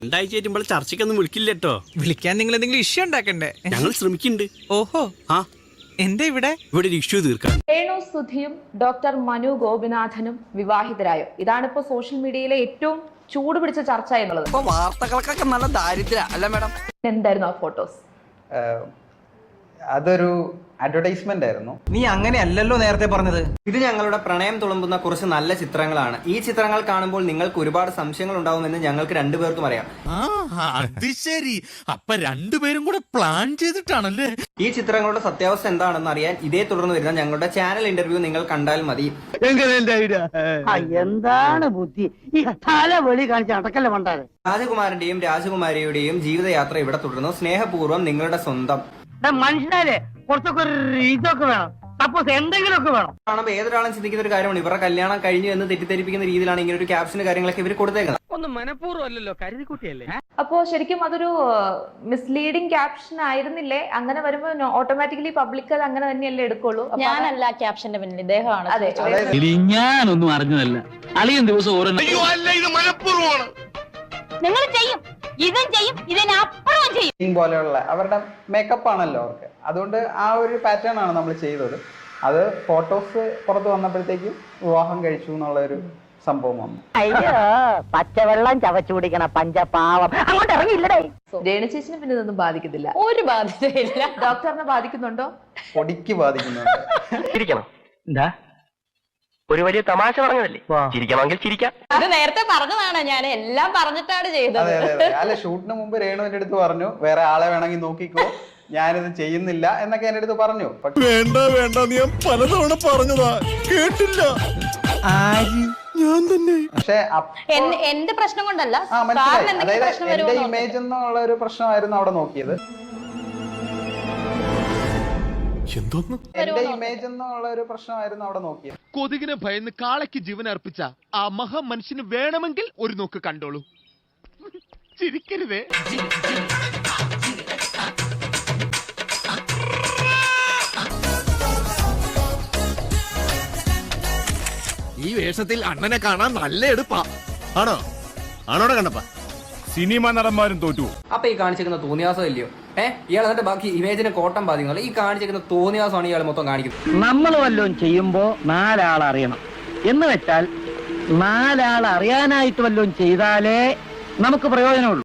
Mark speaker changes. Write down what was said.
Speaker 1: രണ്ടാഴ്ച ആയിട്ട് ചർച്ചയ്ക്കൊന്നും വിളിക്കില്ലട്ടോ.
Speaker 2: വിളിക്കാൻ നിങ്ങൾ എന്തെങ്കിലും ഇഷ്യൂ ഉണ്ടാക്കണ്ടേ?
Speaker 1: ഞങ്ങൾ ശ്രമിക്കുന്നുണ്ട്.
Speaker 2: ഓഹോ,
Speaker 1: ആ
Speaker 2: എന്താ ഇവിടെ
Speaker 1: ഒരു ഇഷ്യൂ തീർക്കാൻ.
Speaker 3: രേണു സുധിയും ഡോക്ടർ മനു ഗോപിനാഥനും വിവാഹിതരായോ? ഇതാണിപ്പോ സോഷ്യൽ മീഡിയയിലെ ഏറ്റവും ചൂട് പിടിച്ച ചർച്ച എന്നുള്ളത്.
Speaker 4: ഇപ്പൊ വാർത്തകൾക്കൊക്കെ നല്ല ദാരിദ്ര്യ അല്ല മാഡം?
Speaker 3: എന്തായിരുന്നു ആ ഫോട്ടോസ്?
Speaker 5: അതൊരു അഡ്വർടൈസ്മെന്റ് ആയിരുന്നു.
Speaker 4: നീ അങ്ങനെയല്ലല്ലോ നേരത്തെ പറഞ്ഞത്.
Speaker 6: ഇത് ഞങ്ങളുടെ പ്രണയം തുളുമ്പുന്ന കുറച്ച് നല്ല ചിത്രങ്ങളാണ്. ഈ ചിത്രങ്ങൾ കാണുമ്പോൾ നിങ്ങൾക്ക് ഒരുപാട് സംശയങ്ങൾ ഉണ്ടാവുമെന്ന് ഞങ്ങൾക്ക് രണ്ടുപേർക്കും അറിയാം.
Speaker 7: അത് ശരി, അപ്പൊ രണ്ടുപേരും കൂടെ പ്ലാൻ ചെയ്തിട്ടാണല്ലേ?
Speaker 6: ഈ ചിത്രങ്ങളുടെ സത്യാവസ്ഥ എന്താണെന്ന് അറിയാൻ ഇതേ തുടർന്ന് വരുന്ന ഞങ്ങളുടെ ചാനൽ ഇന്റർവ്യൂ നിങ്ങൾ കണ്ടാൽ മതി.
Speaker 8: എന്താണ് ബുദ്ധി ഈ തല വെളി കാണിച്ച് അടക്കല്ല പണ്ടാറ്.
Speaker 6: രാജകുമാരന്റെയും രാജകുമാരിയുടെയും ജീവിതയാത്ര ഇവിടെ തുടരുന്നു. സ്നേഹപൂർവ്വം നിങ്ങളുടെ സ്വന്തം.
Speaker 8: മനുഷ്യനാലേ കുറച്ചൊക്കെ ഇതൊക്കെ വേണം, സപ്പോസ് എന്തെങ്കിലുമൊക്കെ വേണം.
Speaker 6: കാണുമ്പോൾ ഏതൊരാളും ചിന്തിക്കുന്ന ഒരു കാര്യമാണ്, ഇവരുടെ കല്യാണം കഴിഞ്ഞു എന്ന് തെറ്റിദ്ധരിപ്പിക്കുന്ന രീതിയിലാണ് ഇങ്ങനെ ഒരു ക്യാപ്ഷന് കാര്യങ്ങളൊക്കെ ഇവർ കൊടുത്തേക്കുന്നത്.
Speaker 8: ഒന്നും മനഃപൂർവ്വമല്ലല്ലോ, കരുതിക്കുട്ടിയല്ലേ.
Speaker 3: അപ്പോ ശരിക്കും അതൊരു മിസ്ലീഡിംഗ് ക്യാപ്ഷൻ ആയിരുന്നില്ലേ? അങ്ങനെ വരുമ്പോ ഓട്ടോമാറ്റിക്കലി പബ്ലിക് അത് അങ്ങനെ തന്നെയല്ലേ എടുക്കുള്ളൂ.
Speaker 9: ഞാനല്ല ക്യാപ്ഷന്റെ പിന്നിൽ, ഇദ്ദേഹമാണ്.
Speaker 3: അതെ,
Speaker 8: ഞാനൊന്നും അറിഞ്ഞതല്ല. അളിയൻ ദിവസം ഓരോ
Speaker 9: നിങ്ങൾ ചെയ്യും, ഇതും ചെയ്യും, ഇതിനപ്പുറവും ചെയ്യും
Speaker 5: പോലെയുള്ള അവരുടെ മേക്കപ്പ് ആണല്ലോ അവർക്ക്. അതുകൊണ്ട് ആ ഒരു പാറ്റേൺ ആണ് നമ്മൾ ചെയ്തത്. അത് ഫോട്ടോസ് പുറത്ത് വന്നപ്പോഴത്തേക്കും വിവാഹം കഴിച്ചു എന്നുള്ള ഒരു സംഭവം വന്നു.
Speaker 8: അയ്യോ, പച്ചവെള്ളം ചവച്ചു കുടിക്കണ പഞ്ചപാവം അങ്ങോട്ട് ഇറങ്ങിയില്ലടേ.
Speaker 3: രേണു ചേച്ചിനെ പിന്നെ ഇതൊന്നും ബാധിക്കുന്നില്ല.
Speaker 9: ഒരു ബാധ്യതയില്ല.
Speaker 3: ഡോക്ടറിനെ ബാധിക്കുന്നുണ്ടോ?
Speaker 5: പൊടിക്ക് ബാധിക്കുന്നുണ്ട്.
Speaker 8: ചിരിക്കണം. എന്താ ഒരു വലിയ തമാശ പറഞ്ഞതല്ലേ, ചിരിക്കണമെങ്കിൽ ചിരിക്കാം.
Speaker 9: അത് നേരത്തെ പറഞ്ഞതാണ്, ഞാൻ എല്ലാം പറഞ്ഞിട്ടാണ് ചെയ്തത്.
Speaker 5: അതെ അതെ അതെ. അല്ല, ഷൂട്ടിന് മുമ്പ് രേണു എന്റെ അടുത്ത് പറഞ്ഞു വേറെ ആളെ വേണമെങ്കിൽ നോക്കിക്കോ, ഞാനിത് ചെയ്യുന്നില്ല എന്നൊക്കെ എന്റെ അടുത്ത് പറഞ്ഞു.
Speaker 7: വേണ്ട വേണ്ട, നീ പലതവണ പറഞ്ഞതാ, കേട്ടില്ല. ഞാൻ തന്നെ.
Speaker 5: പക്ഷെ
Speaker 9: എന്റെ പ്രശ്നം കൊണ്ടല്ല,
Speaker 5: മനസ്സിലായി. അതായത് എന്റെ ഇമേജ് എന്നുള്ള ഒരു പ്രശ്നമായിരുന്നു അവിടെ നോക്കിയത്.
Speaker 7: എന്തോന്ന്?
Speaker 5: എന്റെ ഇമേജ് എന്നുള്ള ഒരു പ്രശ്നമായിരുന്നു അവിടെ നോക്കിയത്.
Speaker 7: കൊതുകിനെ ഭയന്ന് കാളയ്ക്ക് ജീവൻ അർപ്പിച്ച ആ മഹാ മനുഷ്യന് വേണമെങ്കിൽ ഒരു നോക്ക് കണ്ടോളൂ. ചിരിക്കരുതേ. ഈ വേഷത്തിൽ അണ്ണനെ കാണാൻ നല്ല എടുപ്പാ. ആണോ? ആണോടെ കണ്ടപ്പാ സിനിമ നടന്മാരും തോറ്റു.
Speaker 6: അപ്പൊ ഈ കാണിച്ചിരിക്കുന്ന തോന്നിയാസം ഇല്ലയോ? ഇയാൾ എന്നിട്ട് ബാക്കി ഇമേജിനെ കോട്ടം ബാധിക്കുന്നില്ല. ഈ കാണിച്ചിരിക്കുന്ന തോന്നിയാസമാണ് ഇയാൾ മൊത്തം കാണിക്കുന്നത്.
Speaker 8: നമ്മൾ വല്ലതും ചെയ്യുമ്പോ നാലാൾ അറിയണം എന്ന് വെച്ചാൽ നാലാൾ അറിയാനായിട്ട് വല്ലതും ചെയ്താലേ നമുക്ക് പ്രയോജനമുള്ളൂ.